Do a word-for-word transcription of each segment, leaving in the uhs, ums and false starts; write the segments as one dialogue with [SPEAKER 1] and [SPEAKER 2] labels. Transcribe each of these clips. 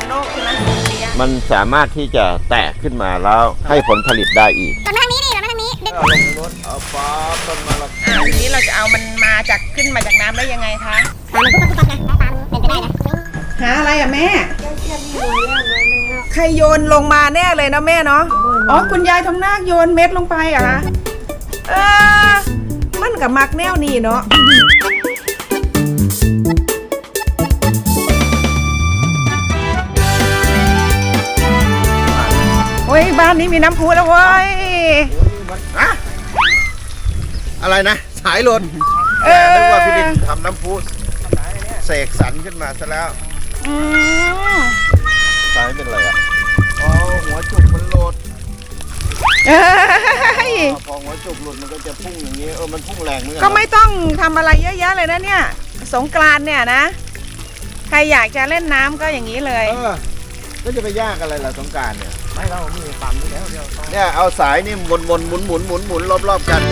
[SPEAKER 1] เป็นโรคใช่ไหม
[SPEAKER 2] มันสามารถที่จะแตกขึ้นมาแล้วให้ผลผลิตได้อีก
[SPEAKER 3] ตอนมาทางนี้นี่ตอนมาทางนี้เด็ก
[SPEAKER 2] เอาลงรถเอาฟ้าต้นมะละกอ
[SPEAKER 1] อ่าทีนี้เราจะเอามันมาจากขึ้นมาจากน้ำได้ยังไงคะ
[SPEAKER 3] ปลามันปุ๊บปุ๊บปุ๊บนะปลาเป็นไปได้นะ
[SPEAKER 1] หาอะไรอ่ะแม่ใครโยนลงมาแน่เลยนะแม่เนาะอ๋อคุณยายทำนาคโยนเม็ดลงไปเหรอคะเออมันกับมักแนวนี้เนาะโอ้ยบ้านนี้มีน้ำพุแล้วเว้ย
[SPEAKER 2] อะอะไรนะสายลน
[SPEAKER 1] เออ
[SPEAKER 2] นึกว่าพี่ลินทำน้ำพุเสกสรรขึ้นมาซะแล้ว
[SPEAKER 1] อืม
[SPEAKER 2] สายเป็นอะไรอ่ะอ๋อหัวจุกมันโหลด
[SPEAKER 1] เอ้ย
[SPEAKER 2] พอหัวจุกหลุดมันก็จะพุ่งอย่างนี้เออมันพุ่งแรงเหมือนกั
[SPEAKER 1] ก็ไม่ต้องทำอะไรเยอะแยะเลยนะเนี่ยสงกรานต์เนี่ยนะ ใครอยากจะเล่นน้ำก็อย่างนี้เลย
[SPEAKER 2] เออก็จะไปยากอะไรล่ะสงกรานต์เนี่ย
[SPEAKER 4] ไม่เรามีปั๊มอยู่แล้วเดียวต้อง
[SPEAKER 2] เนี่ยเอาสายนี่วนวนหมุนหมุนหมุนหมุนรอบๆกัน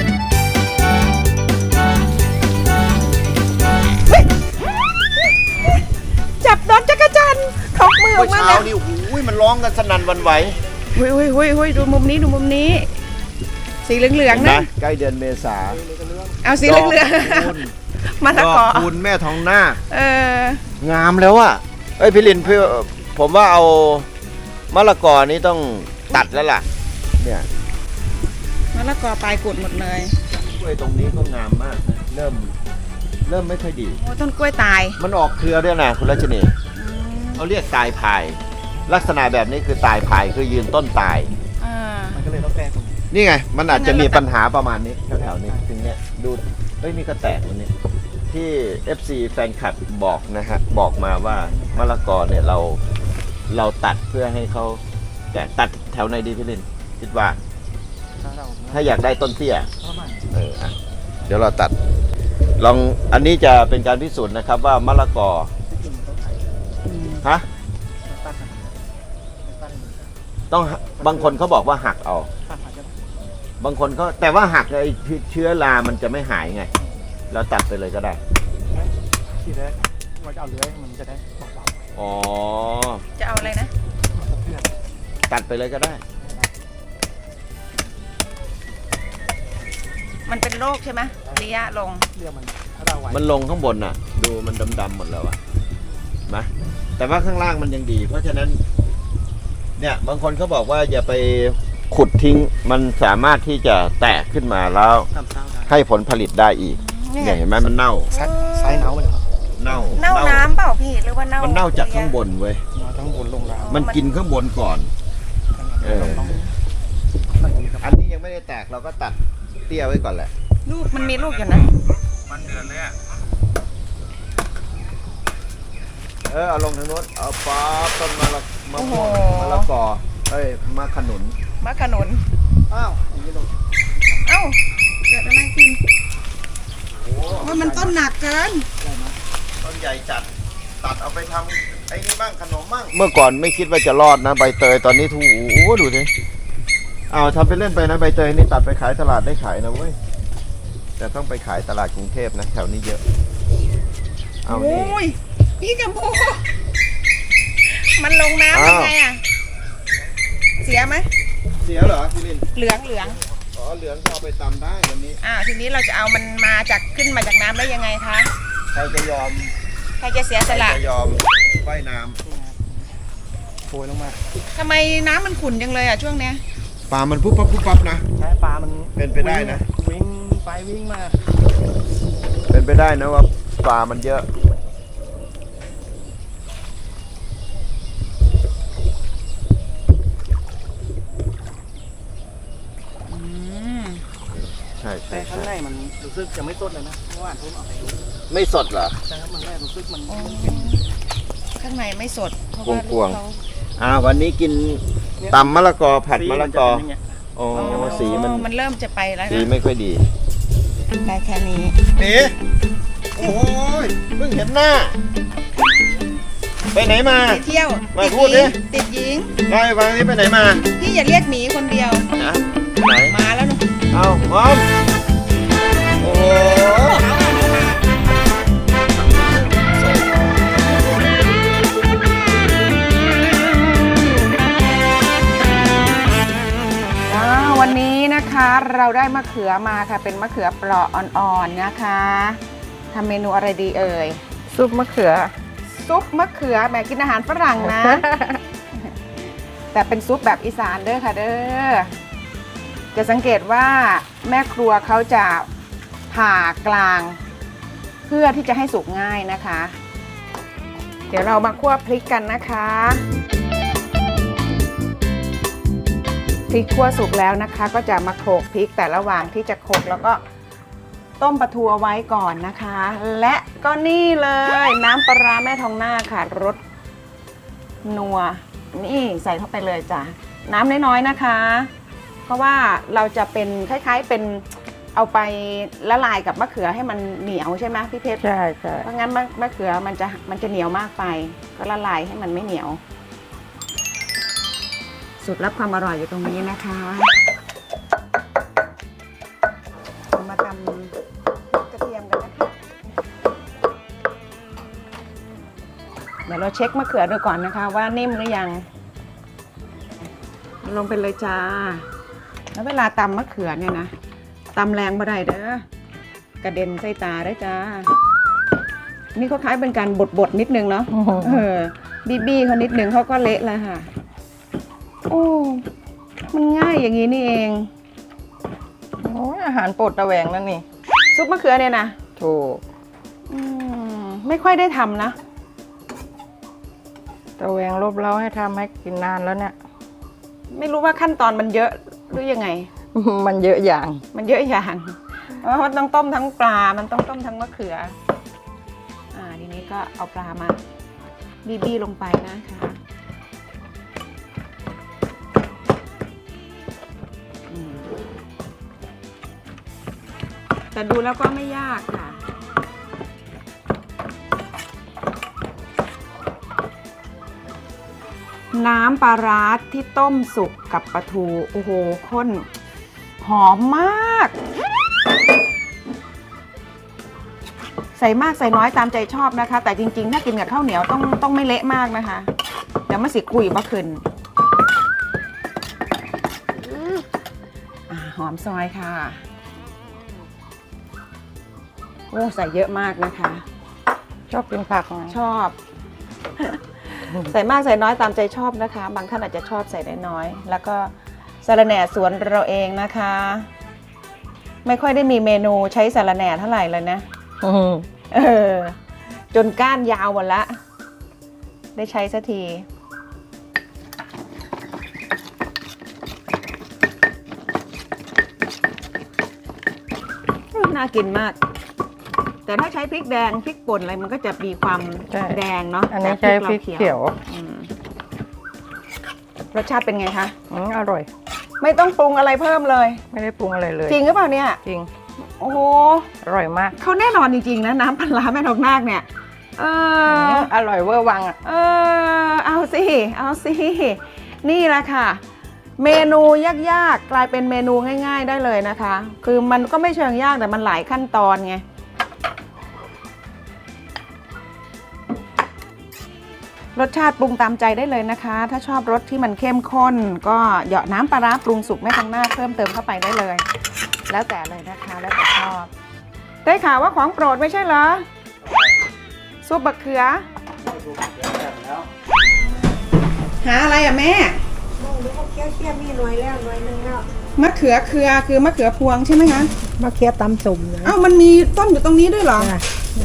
[SPEAKER 1] จับโดนจักรจันทร์ถกมืออ
[SPEAKER 2] เมื่
[SPEAKER 1] อ
[SPEAKER 2] อก
[SPEAKER 1] มา
[SPEAKER 2] เช้า
[SPEAKER 1] แล้ว
[SPEAKER 2] นี่หูยมันร้องกันสนั่นหวันไหว
[SPEAKER 1] หุยหุยหุยหุยดูมุมนี้ดูมุมนี้ สีเหลืองๆ
[SPEAKER 2] เห็นไหม
[SPEAKER 1] นะ
[SPEAKER 2] ใกล้เดือนเมษา
[SPEAKER 1] เอาสีเหลือง
[SPEAKER 2] ดอกคูณ
[SPEAKER 1] ๆมาตะ
[SPEAKER 2] ด
[SPEAKER 1] ก
[SPEAKER 2] อ
[SPEAKER 1] อก
[SPEAKER 2] คูณแม่ทองหน้าค
[SPEAKER 1] เออง
[SPEAKER 2] ามแล้วอ่ะเอ้ยพี่ลินพี่ผมว่าเอามะละกอนี้ต้องตัดแล้วล่ะเนี่ย
[SPEAKER 1] มะละกอปลายกุดหมดเลย
[SPEAKER 2] กล้วยตรงนี้ก็งามมากนะเริ่มเริ่มไม่ค่อยดี
[SPEAKER 1] โอ้ต้นกล้วยตาย
[SPEAKER 2] มันออกเครือด้วยนะคุณรัชนีเขาเรียกตายพาย ลักษณะแบบนี้คือตายพายคือยืนต้นตาย
[SPEAKER 1] อ่า
[SPEAKER 4] มันก็เลยต้องแก้ตรงนี้
[SPEAKER 2] นี่ไงมันอาจจะมีปัญหาประมาณนี้แถวๆนี้ถึงเนี้ยดูเอ้ยนี่ก็แตกวันนี้ที่ เอฟ ซี แฟนคลับบอกนะฮะบอกมาว่ามะละกอเนี่ยเราเราตัดเพื่อให้เขาแตกตัดแถวไหนดีพี่ลินคิดว่า
[SPEAKER 4] ถ้าเรา
[SPEAKER 2] ถ้าอยากได้ต้นเตี้ย
[SPEAKER 4] ประมาณ
[SPEAKER 2] เอออ่ะเดี๋ยวเราตัด ลองอันนี้จะเป็นการพิสูจน์นะครับว่ามะละกอ
[SPEAKER 4] ที่จริงมันต้องใช้
[SPEAKER 2] ฮะ
[SPEAKER 4] ตัดนะตัด
[SPEAKER 2] ต้องบางคนเขาบอกว่าหักเอา
[SPEAKER 4] ตัดอาจจะ
[SPEAKER 2] บางคนก็แต่ว่าหักไอ้เชื้อรามันจะไม่หายไง เราตัดไปเลยก็ได้
[SPEAKER 4] ที่แรกว่าจะเอาเลื้อยมันจะได้เบา
[SPEAKER 2] อ๋อ
[SPEAKER 1] จะเอาอะไรนะ
[SPEAKER 4] ๆมันจะเพื่อน
[SPEAKER 2] ตัดไปเลยก็ได้
[SPEAKER 1] มันเป็นโรคใช่ไหมระยะลง
[SPEAKER 4] เรื่องมันถ้าเราไว้
[SPEAKER 2] มันลงข้างบนน่ะ ดูมันดำๆหมดแล้วอะนะแต่ว่าข้างล่างมันยังดี เพราะฉะนั้น เนี่ยบางคนเขาบอกว่าอย่าไปขุดทิ้ง มันสามารถที่จะแตกขึ้นมาแล้ว
[SPEAKER 4] ทำเศร้าได้
[SPEAKER 2] ให้ผลผลิตได้อีก
[SPEAKER 1] นี่ไง
[SPEAKER 2] เนี่ยเห็นไหมมันเน่า
[SPEAKER 4] ไซไซส์เนาไปเลยครับ
[SPEAKER 2] เน่า
[SPEAKER 1] เน่าน้ำเปล่าพี่หรือว่าเน่า
[SPEAKER 2] มั
[SPEAKER 1] มัน
[SPEAKER 2] เน่าจากข้างบนเว้ย
[SPEAKER 4] เราทั้งบนลงราว
[SPEAKER 2] มันกินข้างบนก่อน เออ
[SPEAKER 4] ต้องต้องอย่างนี้ครับ
[SPEAKER 2] อันนี้ยังไม่ได้แตกเราก็ตัดเตี้ยไว้ก่อนแหละ
[SPEAKER 1] ลูกมันมีลูกอยู่นะ
[SPEAKER 2] มันเดือนเลยอ่ะ เออเอาลงทางโน้นเอาป๊อปต้นมะละมะม่วงมะละกอเอ้ยมะขนุน
[SPEAKER 1] มะขนุน
[SPEAKER 4] อ้าวอย่างนี้ลง
[SPEAKER 1] เอ้าเกิดอะไรขึ้นว่ามันต้นหนักเกิน
[SPEAKER 2] ต้นใหญ่จัด ตัดเอาไปทำไอ้นี่บ้างขนมบ้าง เมื่อก่อนไม่คิดว่าจะรอดนะใบเตยตอนนี้ถูโอ้ดูสิเอาทำไปเล่นไปนะใบเตยนี่ตัดไปขายตลาดได้ขายนะเว้ย แต่ต้องไปขายตลาดกรุงเทพนะแถวนี้เยอะ เอานี่
[SPEAKER 1] โอ้ยพี่กัมพูมันลงน้ำ
[SPEAKER 2] อ้าว
[SPEAKER 1] ยังไงอ่ะ เสียไหม
[SPEAKER 2] เสียเหรอพี่ลิน
[SPEAKER 1] เหลืองเหลือง
[SPEAKER 2] อ๋อเหลืองก็เอาไปตำได้วันนี้
[SPEAKER 1] อ่าทีนี้เราจะเอามันมาจากขึ้นมาจากน้ำได้ยังไงคะ
[SPEAKER 2] ใครจะยอม
[SPEAKER 1] ใครจะเสีย
[SPEAKER 2] ใค
[SPEAKER 1] ส
[SPEAKER 2] ร
[SPEAKER 1] ละ
[SPEAKER 2] จะยอมว่ายน้
[SPEAKER 4] โผล่ลงมา
[SPEAKER 1] ทำไมน้ำมันขุ่นจังเลยอ่ะช่วงเนี้ย
[SPEAKER 2] ำปลามันปุ๊บปั๊บปุ๊บปั๊บนะ
[SPEAKER 4] ใช้ปลามัน
[SPEAKER 2] เป็นไปได้นะ
[SPEAKER 4] วิ่งไปวิ่งมา
[SPEAKER 2] เป็นไปได้นะว่าปลามันเยอะ
[SPEAKER 1] อืม
[SPEAKER 2] ใช่ใช่
[SPEAKER 4] แต่ข้าง
[SPEAKER 2] ใช่
[SPEAKER 4] ในมันรู้สึกจะไม่สดเลยนะเมื่อวานผมเอาไปดู
[SPEAKER 2] ไม่สดเหรอ
[SPEAKER 4] ใช่ครับมันแรกรู้สึกมัน
[SPEAKER 1] อ๋อ
[SPEAKER 4] มันเป็น
[SPEAKER 1] ข้างในไม่สดเพราะว่าก
[SPEAKER 2] วงๆ
[SPEAKER 1] เขา
[SPEAKER 2] อ่าวันนี้กินตำมะละกอผัดมะละกอ
[SPEAKER 4] สีนจเป็นย่างเงี้ย
[SPEAKER 2] อ๋อสีมัน
[SPEAKER 1] มันเริ่มจะไปแล้ว
[SPEAKER 2] สี
[SPEAKER 1] นะ
[SPEAKER 2] ไม่ค่อยดี
[SPEAKER 1] ได้แค่นี้
[SPEAKER 2] นี่โอ้ยเพิ่งเห็นหน้า ไปไหนมา
[SPEAKER 1] ไปเที่ยว
[SPEAKER 2] มา
[SPEAKER 1] ติด
[SPEAKER 2] พูด
[SPEAKER 1] ห
[SPEAKER 2] ดิ
[SPEAKER 1] ญิงติดหญิง
[SPEAKER 2] เล่าให้ฟังนี่ไปไหนมา
[SPEAKER 1] พี่อย่าเรียกหมีคนเดียว
[SPEAKER 2] นะไหน
[SPEAKER 1] มาแล้วนะ
[SPEAKER 2] เอาพร้อมโอ้โห
[SPEAKER 1] ได้มะเขือมาค่ะเป็นมะเขือเปราะอ่อนๆนะคะทำเมนูอะไรดีเอ่ย
[SPEAKER 5] ซุปมะเขือ
[SPEAKER 1] ซุปมะเขือแหมกินอาหารฝรั่งนะ แต่เป็นซุปแบบอีสานเด้อค่ะเด้อจะสังเกตว่าแม่ครัวเขาจะผ่ากลางเพื่อที่จะให้สุกง่ายนะคะ เดี๋ยวเรามาคั่วพริกกันนะคะพริกคั่วสุกแล้วนะคะก็จะมาโขลกพริกแต่ระหว่างที่จะโขลกแล้วก็ต้มปลาทูเอาไว้ก่อนนะคะ และก็นี่เลยน้ำปลาร้าแม่ทองหน้าค่ะรสนัวนี่ใส่เข้าไปเลยจ้ะน้ำน้อยๆนะคะ เพราะว่าเราจะเป็นคล้ายๆเป็นเอาไปละลายกับมะเขือให้มันเหนียวใช่ไหมพี่เพชร
[SPEAKER 5] ใช่ใช่
[SPEAKER 1] เพราะงั้นมะมะเขือมันจะมันจะเหนียวมากไปก็ละลายให้มันไม่เหนียวสูตรลับความอร่อยอยู่ตรงนี้นะคะเรามาตำกระเทียมกันนะคะเดี๋ยวเราเช็คมะเขือดูก่อนนะคะว่านิ่มหรือยังลงไปเลยจ้าแล้วเวลาตำมะเขือเนี่ยนะตำแรงบ่ได้เด้อกระเด็นใส่ตาได้จ้านี่เขาคล้ายเป็นการบดบดนิดนึงเนาะเออบีบี้เขานิดนึงเขาก็เละแล้วค่ะโอ้มันง่ายอย่างนี้นี่เอง
[SPEAKER 5] โอ้ยอาหารโปรดตะแหวงนั่นนี่
[SPEAKER 1] ซุปมะเขือเนี่ยนะ
[SPEAKER 5] ถูก
[SPEAKER 1] อืมไม่ค่อยได้ทำนะ
[SPEAKER 5] ตะแหวงรบเล้าให้ทำให้กินนานแล้วเนี่ย
[SPEAKER 1] ไม่รู้ว่าขั้นตอนมันเยอะหรือยังไง
[SPEAKER 5] มันเยอะอย่าง
[SPEAKER 1] มันเยอะอย่างเพราะมันต้องต้มทั้งปลา มันต้องต้มทั้งมะเขือ อ่าทีนี้ก็เอาปลามาบีบีลงไปนะคะอืมแต่ดูแล้วก็ไม่ยากค่ะ น้ำปลาร้าที่ต้มสุกกับปลาทู โอ้โหข้นหอมมาก ใส่มากใส่น้อยตามใจชอบนะคะ แต่จริงๆถ้ากินกับข้าวเหนียวต้องต้องไม่เละมากนะคะ เดี๋ยวมาสิคุยบ่ขึ้นอ่าหอมซอยค่ะโอ้ใส่เยอะมากนะคะ
[SPEAKER 5] ชอบกินผักไง
[SPEAKER 1] ชอบ ใส่มากใส่น้อยตามใจชอบนะคะ บางท่านอาจจะชอบใส่น้อยๆแล้วก็สาระแหน่สวนเราเองนะคะ ไม่ค่อยได้มีเมนูใช้สาระแหน่เท่าไหร่เลยนะ
[SPEAKER 5] อืม
[SPEAKER 1] เออจนก้านยาวหมดละได้ใช้สักทีน่ากินมาก แต่ถ้าใช้พริกแดงพริกป่นอะไรมันก็จะมีความแดงเนาะ
[SPEAKER 5] อันนี้ใช้พริกเขียว
[SPEAKER 1] อืมรสชาติเป็นไงคะ
[SPEAKER 5] อืมอร่อย
[SPEAKER 1] ไม่ต้องปรุงอะไรเพิ่มเลย
[SPEAKER 5] ไม่ได้ปรุงอะไรเลย
[SPEAKER 1] จริงหรือเปล่าเนี่ย
[SPEAKER 5] จริง
[SPEAKER 1] โอ้โห
[SPEAKER 5] อร่อยมาก
[SPEAKER 1] เขาแน่นอนจริงๆนะน้ำปลาร้าแม่ทองนาคเนี่ยเออ
[SPEAKER 5] มอร่อยเวอร์วังอ่ะ
[SPEAKER 1] เออเอาสิเอาสินี่แหละค่ะ เมนูยากๆกลายเป็นเมนูง่ายๆได้เลยนะคะ คือมันก็ไม่เชิงยากแต่มันหลายขั้นตอนไงรสชาติปรุงตามใจได้เลยนะคะ ถ้าชอบรสที่มันเข้มข้นก็เหยาะน้ำปลาร้าปรุงสุกแม่ทองนาคเพิ่มเติมเข้าไปได้เลย แล้วแต่เลยนะคะแล้วแต่ชอบได้ข่าวว่าของโปรดไม่ใช่เหรอซุปบะเขือหาอะไรอ่ะแม่
[SPEAKER 6] เคี้ยวเคี้ยวมีหน่วยแล้วหน่วยหนึงแล้ว
[SPEAKER 1] มะเขือเขือคือมะเขือพวงใช่ไหมคะ
[SPEAKER 6] มาเคี้ยวตำสุ่มนะ
[SPEAKER 1] อ้าวมันมีต้นอยู่ตรงนี้ด้วยเหรอ
[SPEAKER 6] จ้ะ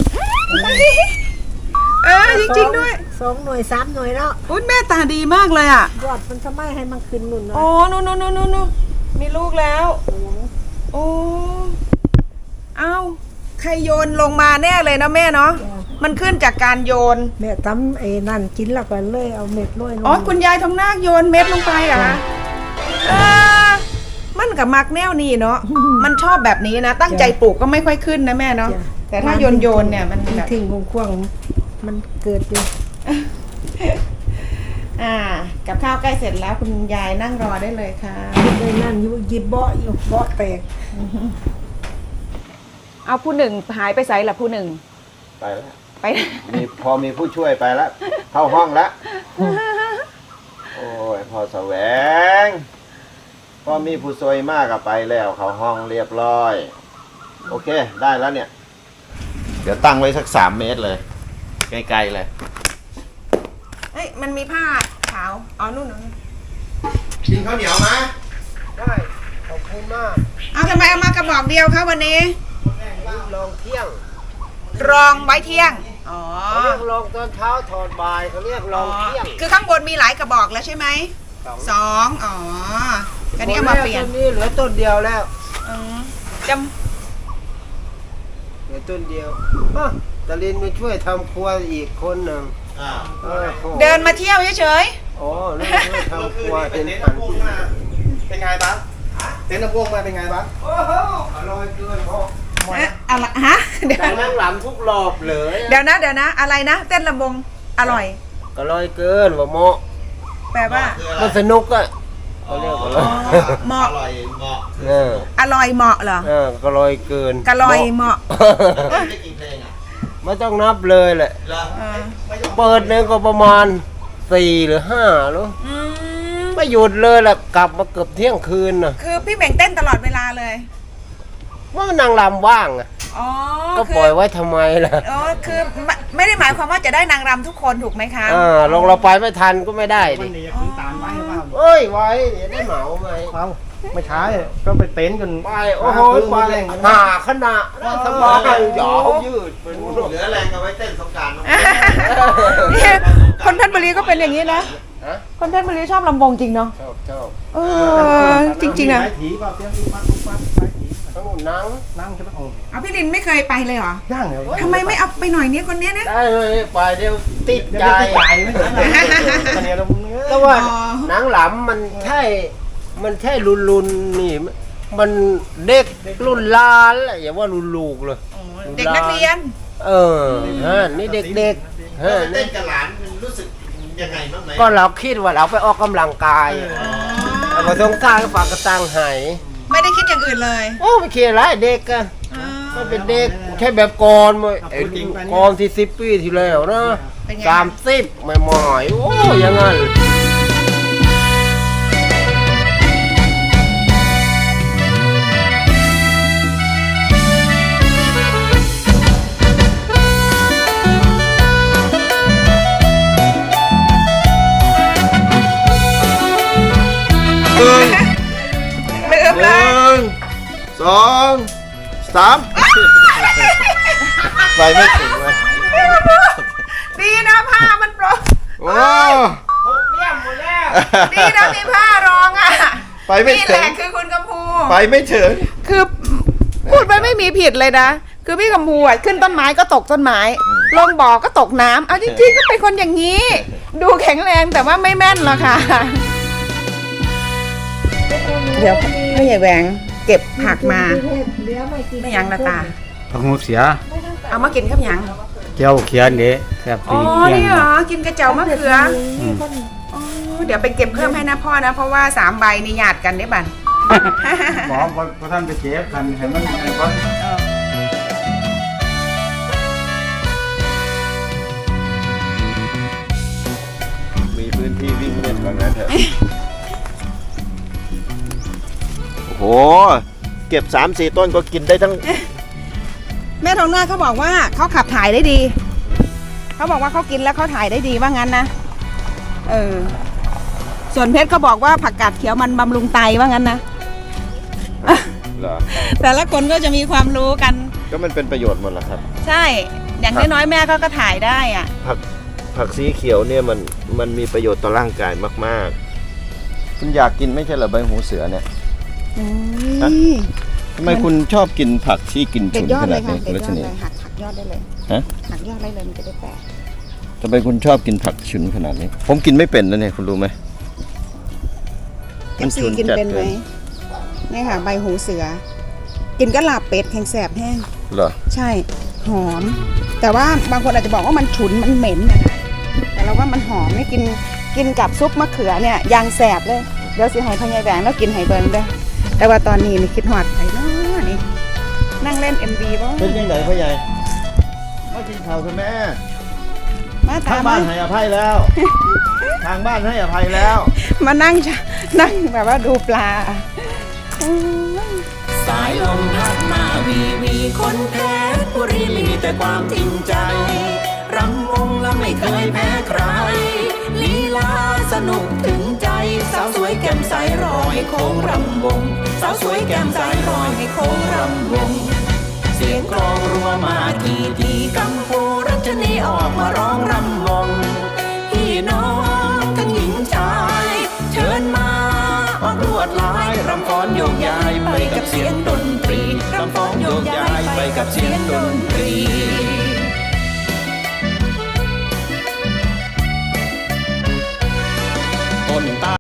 [SPEAKER 1] เออจริงๆด้วย
[SPEAKER 6] สองหน่วยสามหน่วยแล้ว
[SPEAKER 1] อุ้ยแม่ตาดีมากเลยอ่ะ
[SPEAKER 6] ยอดมันทำไมให้มันขึ้นนุ่น
[SPEAKER 1] โอ้
[SPEAKER 6] เนาะ
[SPEAKER 1] นู่นนู่นนู่นนู่นมีลูกแล้ว โอ้เอ้าใครโยนลงมาแน่เลยนะแม่เนาะมันขึ้นจากการโยน
[SPEAKER 6] แม่ตำไอ้นั่นกินแล้วก็เลยเอาเม็ดโรยลง
[SPEAKER 1] อ๋อคุณยายทองนาคโยนเม็ดลงไปเหรอคะเออมันกับมักแนวนี้เนาะมันชอบแบบนี้นะ ตั้งใจปลูกก็ไม่ค่อยขึ้นนะแม่เนาะ
[SPEAKER 6] จ้ะ
[SPEAKER 1] แต่ถ้าโยนโยนเนี่ยมันแบบ
[SPEAKER 6] ทิ้งๆควงๆมันเกิดอยู่
[SPEAKER 1] อ่า กับข้าวใกล้เสร็จแล้วคุณยายนั่งรอได้เลยค่ะ
[SPEAKER 6] เลยนั่นอยู่หยิบเบาะอยู่เบาะแตก
[SPEAKER 1] เอาผู้หนึ่งหายไปไสล่ะผู้หนึ่ง
[SPEAKER 2] ไปแล้ว
[SPEAKER 1] ไป
[SPEAKER 2] มีพอมีผู้ช่วยไปแล้ว เข้าห้องแล้ว โอ้ยพอแสวงพอมีผู้ซวยมากกับไปแล้วเขาห้องเรียบร้อย โอเคได้แล้วเนี่ย เดี๋ยวตั้งไว้สักสามเมตรเลยไกลๆเลย
[SPEAKER 1] เฮ้ยมันมีผ้าขาวอ๋อนู่นนู่น
[SPEAKER 2] กินข้าวเหนียวไหม
[SPEAKER 7] ได้ขอบคุณมาก
[SPEAKER 1] เอาทำไมเอามากระบอกเดียวคะวันนี้
[SPEAKER 7] ลองเที่ยง
[SPEAKER 1] รองไว้เที่ยงอ๋อ
[SPEAKER 7] เขาเรียกลองตอนเช้าถอดบ่ายเขาเรียกลองเที่ยง
[SPEAKER 1] คือข้างบนมีหลายกระบอกแล้วใช่ไหมสองอ๋ออันนี้เอามาเปลี่ยน
[SPEAKER 7] ต้นนี้เหลือต้นเดียวแล้ว
[SPEAKER 1] อืมจ
[SPEAKER 7] เหลือต้นเดียวอ่ะตาลินมาช่วยทำครัวอีกคนหนึ่ง
[SPEAKER 2] อ่า
[SPEAKER 7] เออโอ้
[SPEAKER 1] ำเดินมาเที่ยวเฉย
[SPEAKER 7] อ๋อนี่ช่วยทำครัวเป็น
[SPEAKER 2] เต็นท์
[SPEAKER 7] พัน
[SPEAKER 2] น้ำพุมาเป็นไงบ้างเต็นท์น้ำพุมาเป็นไงบ้าง
[SPEAKER 7] โอ้โหอร่อยเกินพ่อ
[SPEAKER 1] ๆเอ๊ะอะไรฮะเดี๋ยว
[SPEAKER 7] แต่นั่งหลังทุกรอบเลย
[SPEAKER 1] เดี๋ยวนะเดี๋ยวนะ อะไรนะเต้นลำวงอร่อย
[SPEAKER 7] อร่อยเกินว่าโมะ
[SPEAKER 1] แปลว่า
[SPEAKER 7] มันสนุกอ่ะเขาเรียกว่าอะไร
[SPEAKER 1] เหมาะ
[SPEAKER 2] อร่อยเหมาะ
[SPEAKER 7] เออ
[SPEAKER 1] อร่อยเหมาะเหรอ
[SPEAKER 7] เออก็อร่อยเกิน
[SPEAKER 1] กะลอยเหมาะ
[SPEAKER 2] ได้กี่เพลงอ่ะ
[SPEAKER 7] ไม่ต้องนับเลยแหละ
[SPEAKER 2] เหรอ
[SPEAKER 1] เออ
[SPEAKER 7] เปิดเนี่ยก็ประมาณสี่หรือห้าหรือ
[SPEAKER 1] อืม
[SPEAKER 7] ไม่หยุดเลยแหละกลับมาเกือบเที่ยงคืนน่ะ
[SPEAKER 1] คือพี่เหม่งเต้นตลอดเวลาเลย
[SPEAKER 7] ว่านางรำว่างอะ
[SPEAKER 1] อ๋อ
[SPEAKER 7] ก็
[SPEAKER 1] คื
[SPEAKER 7] ปล่อยไว้ทำไมล่ะ
[SPEAKER 1] อ๋อคือไม่ไม่ได้หมายความว่าจะได้นางรำทุกคนถูกไหมคะ
[SPEAKER 7] อ่าลงเราไปไม่ทันก็ไม่ได้ดิ
[SPEAKER 4] มันนี่พื้นตาลไว้หรือเปล่า
[SPEAKER 7] เอ้ยไว้เดี๋ยวได้เหมาไหม
[SPEAKER 4] เอาไม่ใช่ก็ไปเต็นท์กัน
[SPEAKER 7] ไปโอ้โหไปหาขนาดนั้นสบายหยอยืดเป็น
[SPEAKER 2] เหลือแรงเอาไว้เต้นสงกราร
[SPEAKER 1] เนี่ยคนเพชรบุรีก็เป็นอย่างนี้นะ
[SPEAKER 7] ฮะ
[SPEAKER 1] คนเพชรบุรีชอบลำวงจริงเนาะ
[SPEAKER 7] ชอบชอบ
[SPEAKER 1] เออจริงๆนะ
[SPEAKER 4] ไม้ถีก็เตรียมลูกปัดลูกปัดไม้ถี
[SPEAKER 7] ทั้งหมดนั่ง
[SPEAKER 4] นั่งใช่ไหมโอ้
[SPEAKER 1] เอาพี่ลินไม่เคยไปเลยเหรอ
[SPEAKER 4] ย่างเหรอ
[SPEAKER 1] ทำไมไม่เอาไปหน่อยเนี้ยคนเนี้ยนะ
[SPEAKER 7] ได้เลยไปเดี๋ยวติด
[SPEAKER 4] เดี๋ยว
[SPEAKER 7] ใจ
[SPEAKER 4] จะใหญ่ไม่ใช่ตอนนี้เราเนื้อ
[SPEAKER 7] แต่ว่าหนังหลำมันใช่มันใช่รุนรุนๆนี่ มันเด็กรุ่นหลานแหละอย่าว่ารุ่นลูกเลย
[SPEAKER 1] เด็กนักเรียน
[SPEAKER 7] เออฮะนี่เด็กๆฮะ
[SPEAKER 2] เต้
[SPEAKER 7] นี่
[SPEAKER 2] นกับหลานรู้สึกยังไงบ้างไหม
[SPEAKER 7] ก็เราคิดว่าเราไปออกกำลังกายแต่พอสงกรารก็ฝากกระตังหาย
[SPEAKER 1] ไม่ได้คิดอย่างอื่นเลย
[SPEAKER 7] โอ้ไม่เคยไรเด็กอะ
[SPEAKER 1] อ๋อ
[SPEAKER 7] ก็เป็นเด็กแค่แบบก่อนมั้ยไอ้ก่อนที่สิบปีที่แล้วนะ
[SPEAKER 1] เป็นไง
[SPEAKER 7] สามสิบไม่หมอยโอ้อยังงั้น
[SPEAKER 2] หนึ่ง
[SPEAKER 1] ลืม
[SPEAKER 2] ห
[SPEAKER 1] เลย
[SPEAKER 2] นึ่งสองสามไปไม่ถึงเลย
[SPEAKER 1] ดีนะผ้ามันโปร
[SPEAKER 2] โอ้
[SPEAKER 1] ดีนะมีผ้ารองอ่ะ
[SPEAKER 2] ไปไม่
[SPEAKER 1] นี่
[SPEAKER 2] ถึ
[SPEAKER 1] แห
[SPEAKER 2] ง
[SPEAKER 1] ละคือคุณกำพู
[SPEAKER 2] ไปไม่ถึง
[SPEAKER 1] คือพูดไปไม่มีผิดเลยนะ คือพี่กำพูอ่ะขึ้นต้นไม้ก็ตกต้นไม้ ลงบ่อก็ตกน้ำเอาจริงๆก็เป็นคนอย่างนี้ ดูแข็งแรงแต่ว่าไม่แม่นหรอกค่ะ เดี๋ยวพ่อใหญ่แหวงเก็บผักมา
[SPEAKER 6] เดี๋ยวไม่กิน
[SPEAKER 1] ไม่ยังละตา
[SPEAKER 4] ผักหูเสีย
[SPEAKER 1] เอามากินครับยัง
[SPEAKER 4] เจ้าเขียนเด้แซ่บ
[SPEAKER 1] อ๋
[SPEAKER 4] ดี
[SPEAKER 1] อนี่เหรอ กินกระเจ้ามะเขืออ๋อเดี๋ยวไปเก็บเพิ่มให้นะพ่อนะ เพราะว่าสามใบนี่หยาดกันได้บัน
[SPEAKER 4] หมอพอท่านไปเจ็บกันเห็นมันไอ้คน
[SPEAKER 2] มีพื้นที่วิ่งเล่นว่างั้นเถอะ โอ้โห เก็บสามสี่ต้นก็กินได้ทั้ง
[SPEAKER 1] แม่ทองหน้าเขาบอกว่าเขาขับถ่ายได้ดี เขาบอกว่าเขากินแล้วเขาถ่ายได้ดีว่างั้นนะ เออ ส่วนเพชรเขาบอกว่าผักกาดเขียวมันบำรุงไตว่างั้นนะ
[SPEAKER 2] เหรอ
[SPEAKER 1] แต่ละคนก็จะมีความรู้กัน
[SPEAKER 2] ก็มันเป็นประโยชน์หมดแหละครับ
[SPEAKER 1] ใช่ อย่างน้อยๆแม่เขาก็ถ่ายได้อ่ะ
[SPEAKER 2] ผักผักสีเขียวเนี่ยมันมันมีประโยชน์ต่อร่างกายมากๆ คุณอยากกินไม่ใช่เหรอใบหูเสือเนี่ย ฮะ ทำไมคุณชอบกินผักที่กิน
[SPEAKER 1] เด็
[SPEAKER 2] ฉุ
[SPEAKER 1] ด
[SPEAKER 2] น
[SPEAKER 1] ยอ
[SPEAKER 2] ข
[SPEAKER 1] ดเล
[SPEAKER 2] นาด
[SPEAKER 1] ยค่ะ
[SPEAKER 2] นี้
[SPEAKER 1] เด็ด
[SPEAKER 2] คุณรั
[SPEAKER 1] ย
[SPEAKER 2] ช
[SPEAKER 1] อด
[SPEAKER 2] นี
[SPEAKER 1] เลยหักหักยอดได้เลย
[SPEAKER 2] ฮะ
[SPEAKER 1] หักยอดได้เลยมันจะได้แตก
[SPEAKER 2] ทำไมคุณชอบกินผักฉุนขนาดนี้ ผมกินไม่เป็นนะเนี่ยคุณรู้ไหม
[SPEAKER 1] เอฟซีกินเป็นไหมนี่ค่ะ ใบหูเสือ กินก็ลาบเป็ดแข็งแสบแห้ง
[SPEAKER 2] เหรอ
[SPEAKER 1] ใช่ หอม แต่ว่าบางคนอาจจะบอกว่ามันฉุนมันเหม็นนะคะแต่เราว่ามันหอมนี่กินกินกับซุปมะเขือเนี่ยยางแสบเลยเดี๋ยวสิให้พ่อใหญ่แหวงแล้วกินไห้เบิงด้วยแต่ว่าตอนนี้นี่คิดหอดไห้เนาะนี่นั่งเล่น เอ็ม วี บ้าง
[SPEAKER 2] เป็นยังไงพ่อใหญ่มากินข้าวคุณแม่
[SPEAKER 1] มาตา
[SPEAKER 2] ทาง
[SPEAKER 1] ม
[SPEAKER 2] บ้าน
[SPEAKER 1] มา
[SPEAKER 2] ให้อภัยแล้ว ทางบ้านให้อภัยแล้ว
[SPEAKER 1] มานั่งนั่งแบบว่าดูปลา
[SPEAKER 8] สายลมพัดมาวีวีคนเพชรบุรีมีแต่ความจริงใจ รำวงและไม่เคยแพ้ใคร ลีลาสนุกถึงใจ สาวสวยแก้มใสรอให้โค้งรำวง สาวสวยแก้มใสรอให้โค้งรำวง เสียงกลองรัวมาทีทีกัมพูรัชนีออกมาร้องรำวง พี่น้องทั้งหญิงชาย เชิญมาออกลวดลายรำฟ้อนโยกย้ายไปกับเสียงดนตรีรำฟ้อนโยกย้ายไปกับเสียงดนตรีต้นตา